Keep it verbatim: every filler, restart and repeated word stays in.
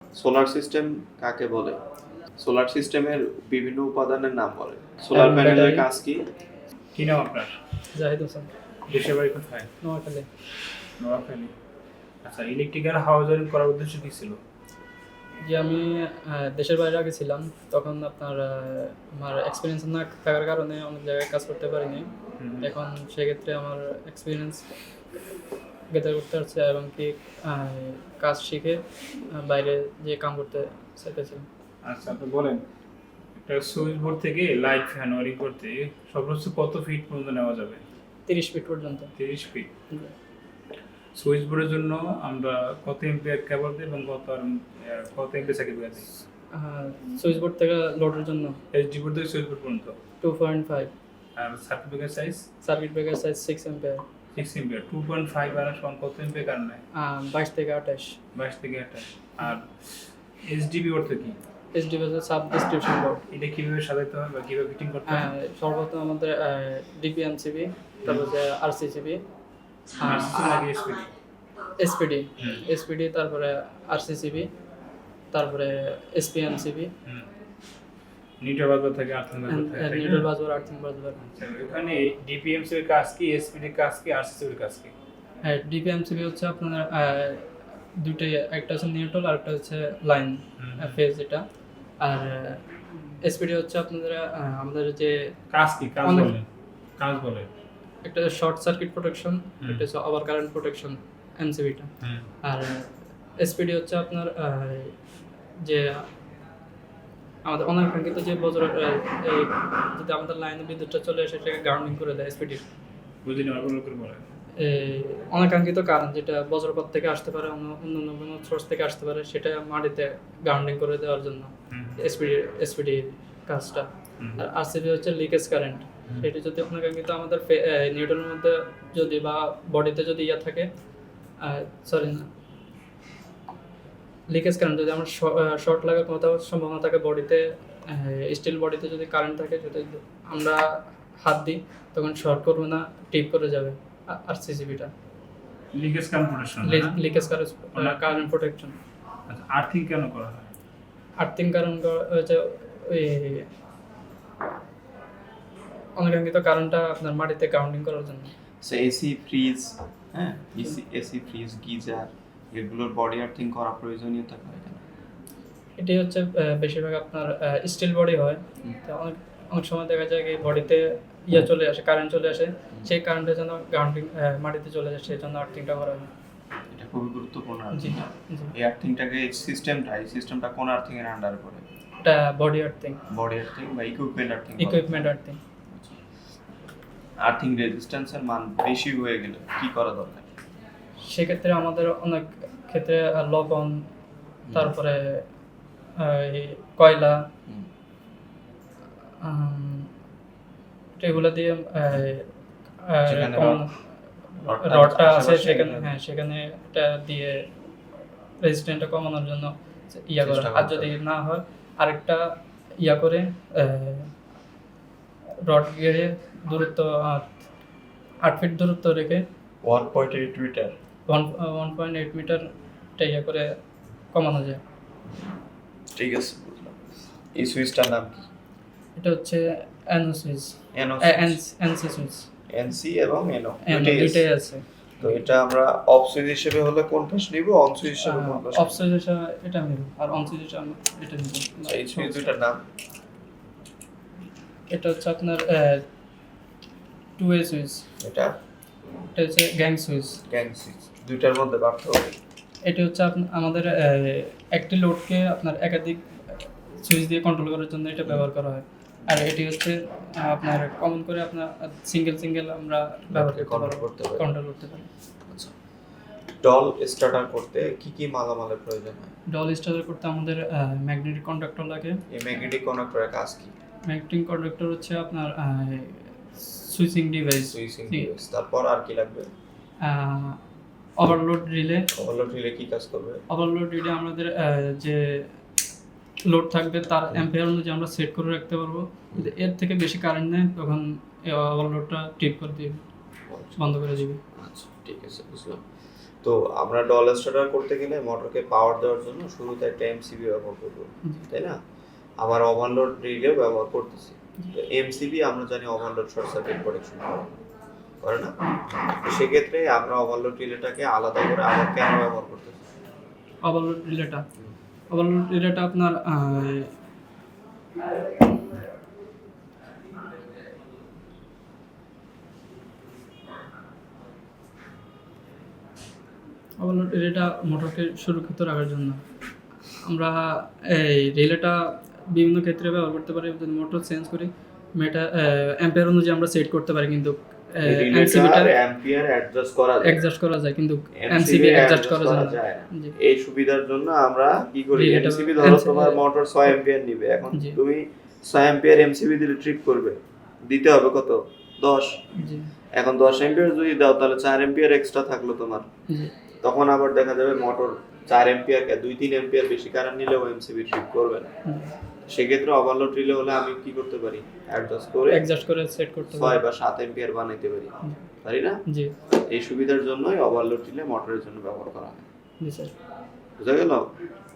Solar system কাকে বলে? Solar সিস্টেমের বিভিন্ন উপাদানের নাম বলে। সোলার প্যানেলের কাজ কি? কি নাম আপনার? জাহিদ হোসেন। দেশের বাড়ি কোথায়? নোয়াখালী। নোয়াখালী। আচ্ছা, ইলেকট্রিক্যাল হাউস ওয়ারিং করার উদ্দেশ্য কি ছিল? যে আমি আহ, দেশের বাইরে আগে ছিলাম, তখন আপনার আহ, আমার এক্সপিরিয়েন্স না থাকার কারণে অনেক জায়গায় কাজ করতে পারিনি। এখন সেক্ষেত্রে আমার এক্সপিরিয়েন্স গেদার করতে পারছে এবং কি আহ, কাজ শিখে আহ, বাইরে যে কাম করতে চাইতেছিলাম। আচ্ছা, আপনি বলেন একটা সুইচ বোর্ড থেকে লাইট ফ্যান ওয়ারিং করতে সর্বোচ্চ কত ফিট পর্যন্ত নেওয়া যাবে? তিরিশ ফিট পর্যন্ত। তিরিশ ফিট। সুইচ বোর্ডের জন্য আমরা কত এম্পিয়ার কেবল দিই এবং কত আর কত এম্পিয়ার সার্কিট ব্রেকার দিই? সুইচ বোর্ড থেকে লোডের জন্য এইচডি বোর্ড থেকে সুইচ বোর্ড পর্যন্ত টু পয়েন্ট ফাইভ। আর circuit breaker size? Circuit breaker size six ampere. Six ampere. Two point five আর সমান কত এম্পিয়ার কারেন্ট নেয়? বাইশ থেকে আঠাশ। বাইশ থেকে আঠাশ। আর এইচডিবি অর্থ কি? HDB sub distribution board. এটা কিভাবে সাজাতে হয় বা কিভাবে ফিটিং করতে হয়? সর্বপ্রথম আমাদের ডিপিএমসিবি, তারপর যে আরসিসিবি, এসপিডি এসপিডি এসপিডি তারপরে আরসিসিবি, তারপরে এসপিএমসিবি, নিউট্রাল বাজবার থাকে, আর্থিং বাজবার থাকে। Neutral busbar, earthing busbar. এখানে ডিপিএমসি এর কাজ কি, এসপিডি এর কাজ কি, আরসিসি এর কাজ কি? হ্যাঁ, ডিপিএমসিবি হচ্ছে আপনার দুইটাই, একটা হচ্ছে নিউট্রাল আর একটা হচ্ছে লাইন ফেজ, এটা। আর এসপিডি হচ্ছে আপনাদের আমাদের যে কাজ কি, কাজ বলেন, কাজ বলেন। একটা শর্ট সার্কিট প্রোটেকশন, একটা হচ্ছে ওভার কারেন্ট প্রোটেকশন, এমসিবিটা। আর এসপিডি হচ্ছে আপনার যে আমাদের অনাকাঙ্ক্ষিত যে বজ্র যদি আমাদের লাইনে বিদ্যুৎটা চলে আসে সেটাকে গ্রাউন্ডিং করে দেয় এসপিডি। বুঝিনি, আবার করে বলেন। অনাকাঙ্ক্ষিত কারণ যেটা বজ্রপাত থেকে আসতে পারে, অন্য অন্য কোনো সোর্স থেকে আসতে পারে, সেটা মাটিতে গ্রাউন্ডিং করে দেওয়ার জন্য এসপিডি এসপিডি কাজটা। আর আরসিবি হচ্ছে লিকেজ কারেন্ট। সেটা যদি অনাকাঙ্ক্ষিত আমাদের নিউটনের মধ্যে যদি বা বডিতে যদি ইয়া থাকে, সরি না লিকেজ কারেন্ট, যদি আমার শর্ট লাগার কোথাও সম্ভাবনা থাকে বডিতে, স্টিল বডিতে যদি কারেন্ট থাকে, যদি আমরা হাত দিই তখন শর্ট করবে না, টিপ করে যাবে আরসিসিবিটা। Leakage current protection, leakage current protection. আচ্ছা, আর্থিং কেন করা হয়? আর্থিং কারণ হচ্ছে ওই অনাকাঙ্ক্ষিত কারণটা আপনার মাটিতে গ্রাউন্ডিং করার জন্য। সো এসি, ফ্রিজ, হ্যাঁ এসি এসি ফ্রিজ, গিজার, এগুলোর বডি আর্থিং করা প্রয়োজনীয়তা হয় কেন? এটি হচ্ছে বেশিরভাগ আপনার স্টিল বডি হয়, তো অনেক অনেক সময় দেখা যায় কি বডিতে ইয়ে চলে আসে, কারেন্ট চলে আসে, সেই কারেন্টের জন্য গ্রাউন্ডিং মাটিতে চলে যায়, সেই জন্য আর্থিংটা করা হয়। এটা খুবই গুরুত্বপূর্ণ। জি জি। এই আর্থিংটাকে, এই সিস্টেমটা এই সিস্টেমটা কোন আর্থিং এর আন্ডারে পড়ে? এটা বডি আর্থিং। বডি আর্থিং বা equipment earthing? Equipment earthing. Earthing রেজিস্ট্যান্সের মান বেশি হয়ে গেলে কি করা দরকার? সেক্ষেত্রে আমাদের অনেক ক্ষেত্রে লবণ, তারপরে কয়লা, এগুলো দিয়ে রডটা আছে সেখানে, হ্যাঁ সেখানে এটা দিয়ে রেজিস্ট্যান্সটা কমানোর জন্য ইয়া করে। আর যদি না হয় আরেকটা ইয়া করে রড গেড়ে দূরত্ব আট ফিট দূরত্ব রেখে one point eight metre one one point eight metre ইয়া করে কমানো যায়। ঠিক আছে, বুঝলাম। এই সুইচটার নাম কি? এটা হচ্ছে NO switch, NO NC switch. NC এবং এনও দুইটাই আছে। তো এটা আমরা অফ সুইচ হিসেবে হলে কোন পাশ নিব, অন সুইচ হিসেবে কোন পাশ? অফ সুইচ হিসেবে এটা নিব, আর অন সুইচ হিসেবে এটা নিব। এই সুইচ দুইটার নাম? এটা হচ্ছে আপনার টু ওয়ে সুইচ, এটা এটা হচ্ছে গ্যাং সুইচ। Gang switch. দুইটার মধ্যে পার্থক্য? এটা হচ্ছে আমাদের একটি লোডকে আপনার একাধিক সুইচ দিয়ে কন্ট্রোল করার জন্য এটা ব্যবহার করা হয়। আর এটি হচ্ছে আপনার কমন করে আপনার সিঙ্গেল সিঙ্গেল আমরা ব্যবহার করতে পারি, কন্ট্রোল করতে পারি। আচ্ছা, ডল স্টার্টার করতে কি কি মালামালের প্রয়োজন হয়? ডল স্টার্টার করতে আমাদের ম্যাগনেটিক কন্ডাক্টর লাগে। এই ম্যাগনেটিক কন্ডাক্টরের কাজ কি? ম্যাগনেটিক কন্ডাক্টর হচ্ছে আপনার সুইচিং ডিভাইস। Switching device. তারপর আর কি লাগবে? Overload relay. ওভারলোড রিলে কি কাজ করবে? ওভারলোড রিলে আমাদের যে লোড থাকবে তার অ্যাম্পিয়ার অনুযায়ী আমরা সেট করে রাখতে পারবো। যদি এর থেকে বেশি কারেন্ট নেয় তখন এই ওভারলোডটা ট্রিপ করে দিবে, বন্ধ করে দিবে। আচ্ছা, ঠিক আছে, বুঝলাম। তো আমরা ডল স্টার্টার করতে গেলে মোটরকে পাওয়ার দেওয়ার জন্য শুরুতে একটা এমসিবি ব্যবহার করবো, তাই না? আবার ওভারলোড রিলেও ব্যবহার করতেছি। তো এমসিবি আমরা জানি ওভারলোড শর্ট সার্কিট প্রোটেকশন করে করে না? তো সেক্ষেত্রে আমরা ওভারলোড রিলেটাকে আলাদা করে আবার কেন ব্যবহার করতেছি? ওভারলোড রিলেটা ওভারলোড রিলেটা আপনার ওভারলোড রিলেটা মোটরকে সুরক্ষিত রাখার জন্য আমরা এই রিলেটা বিভিন্ন ক্ষেত্রে ব্যবহার করতে পারি। যদি মোটর চেঞ্জ করি মেটা অ্যাম্পিয়ার অনুযায়ী আমরা সেট করতে পারি, কিন্তু এমসিবিটা অ্যাম্পিয়ার অ্যাডজাস্ট করা যায়, অ্যাডজাস্ট করা যায়, কিন্তু এমসিবি অ্যাডজাস্ট করা যায় না। জি। এই সুবিধার জন্য আমরা কি করি, Relay টা- এমসিবি ধরো এমসিবি তোমার মোটর ছয় অ্যাম্পিয়ার নিবে, এখন জি। তুমি ছয় অ্যাম্পিয়ার এমসিবি দিলে ট্রিপ করবে, দিতে হবে কত? দশ। জি এখন দশ অ্যাম্পিয়ার যদি দাও তাহলে চার অ্যাম্পিয়ার এক্সট্রা থাকলো তোমার। জি তখন আবার দেখা যাবে মোটর চার অ্যাম্পিয়ার দুই তিন অ্যাম্পিয়ার বেশি কারেন্ট নিলেও এমসিবি ট্রিপ করবে না। সেক্ষেত্রে ওভারলোড রিলে হলে আমি কি করতে পারি, অ্যাডজাস্ট করে অ্যাডজাস্ট করে সেট করতে ছয় পারি। বা সাত অ্যাম্পিয়ার বানাইতে পারি, পারি না? জি এই সুবিধার জন্যই ওভারলোড রিলে মোটরের জন্য ব্যবহার করা হয়। জি স্যার। বুঝা গেল?